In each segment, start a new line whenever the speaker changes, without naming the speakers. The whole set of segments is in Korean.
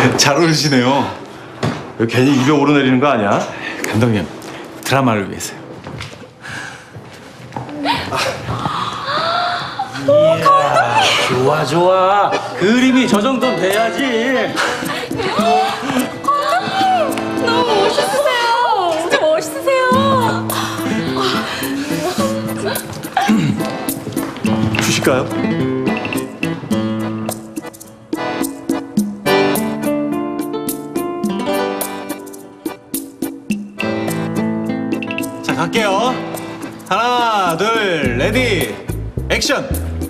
잘 어울리시네요.
왜 괜히 입에 오르내리는 거 아니야?
감독님, 드라마를 위해서요.
좋아 좋아. 그림이 저 정도는 돼야지.
너무 멋있으세요. 진짜 멋있으세요.
주실까요?
자, 갈게요. 하나, 둘, 레디, 액션!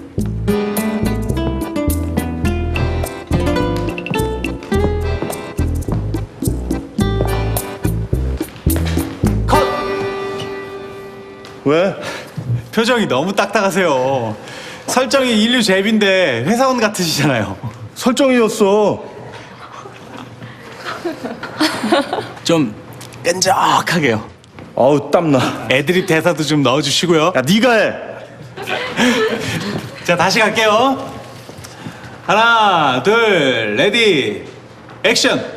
컷!
왜?
표정이 너무 딱딱하세요. 설정이 인류 제비인데 회사원 같으시잖아요.
설정이었어.
좀 끈적하게요.
아우 땀나.
애드립 대사도 좀 넣어주시고요.
야 네가 해.
자, 다시 갈게요. 하나, 둘, 레디, 액션!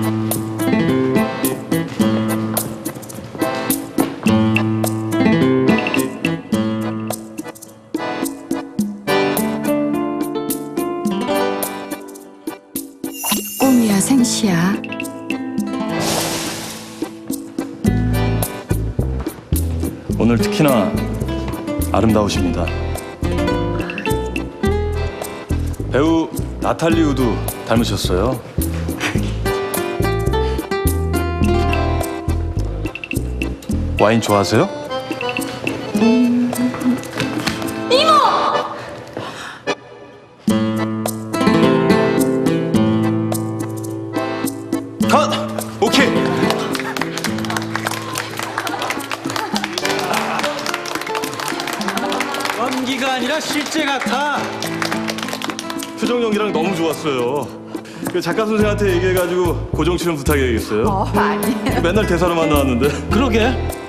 꿈이야 생시야.
오늘 특히나 아름다우십니다. 배우 나탈리 우드 닮으셨어요. 와인 좋아하세요?
컷! 오케이!
연기가 아니라 실제 같아.
표정 연기랑 너무 좋았어요. 그 작가 선생한테 얘기해가지고 고정 출연 부탁해야겠어요.
아니에요.
맨날 대사로만 나왔는데.
그러게.